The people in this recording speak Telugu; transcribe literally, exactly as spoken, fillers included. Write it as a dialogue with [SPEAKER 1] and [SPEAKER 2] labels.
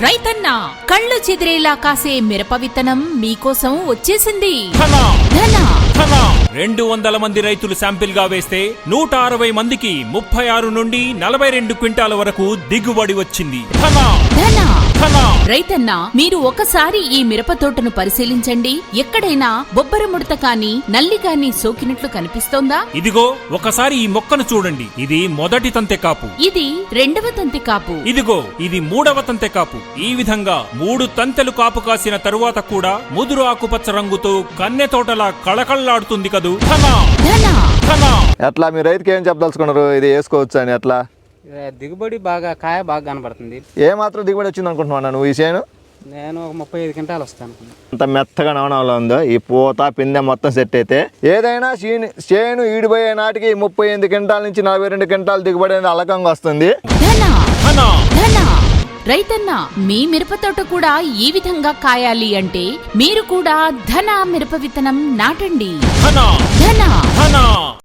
[SPEAKER 1] రైతన్న కళ్ళు చెదిరేలా కాసే మిరప విత్తనం మీకోసం వచ్చేసింది.
[SPEAKER 2] రెండు వందల మంది రైతులు శాంపిల్ గా వేస్తే నూట అరవై మందికి ముప్పై ఆరు నుండి నలభై రెండు క్వింటాల వరకు దిగుబడి వచ్చింది.
[SPEAKER 1] రైతన్న మీరు ఒకసారి ఈ మిరప తోటను పరిశీలించండి. ఎక్కడైనా బొబ్బర ముడత కాని నల్లి కాని సోకినట్లు కనిపిస్తోందా?
[SPEAKER 2] ఇదిగో ఒకసారి ఈ మొక్కను చూడండి. ఇది మొదటి తంతె కాపు,
[SPEAKER 1] ఇది రెండవ తంతె కాపు,
[SPEAKER 2] ఇదిగో ఇది మూడవ తంతె కాపు. ఈ విధంగా మూడు తంతెలు కాపు కాసిన తరువాత కూడా ముదురు ఆకుపచ్చ రంగుతో కన్నె తోటలా కళకళలాడుతుంది కదూ.
[SPEAKER 3] ఎట్లా మీ రైతుకి ఏం చెప్పదలుచుకున్నారు? ఇది వేసుకోవచ్చు అని ఎట్లా?
[SPEAKER 4] దిగుబడి బాగా కాయ బాగా కనబడుతుంది.
[SPEAKER 3] ఏ మాత్రం దిగుబడి వచ్చింది అనుకుంటున్నా నువ్వు ఈ చేను?
[SPEAKER 4] నేను ఒక ముప్పై ఐదు క్వింటాలు వస్తాను.
[SPEAKER 3] అంత మెత్తగా నవనంలో ఉందో ఈ పూత పిందె మొత్తం సెట్ అయితే ఏదైనా చేను చేను ఈడిపోయే నాటికి ముప్పై ఎనిమిది క్వింటాల నుంచి నలభై రెండు క్వింటాలు దిగుబడి అనేది అలకంగా వస్తుంది.
[SPEAKER 1] రైతన్న మీ మిరప తోట కూడా ఈ విధంగా కాయాలి అంటే మీరు కూడా ధన మిరప విత్తనం నాటండి.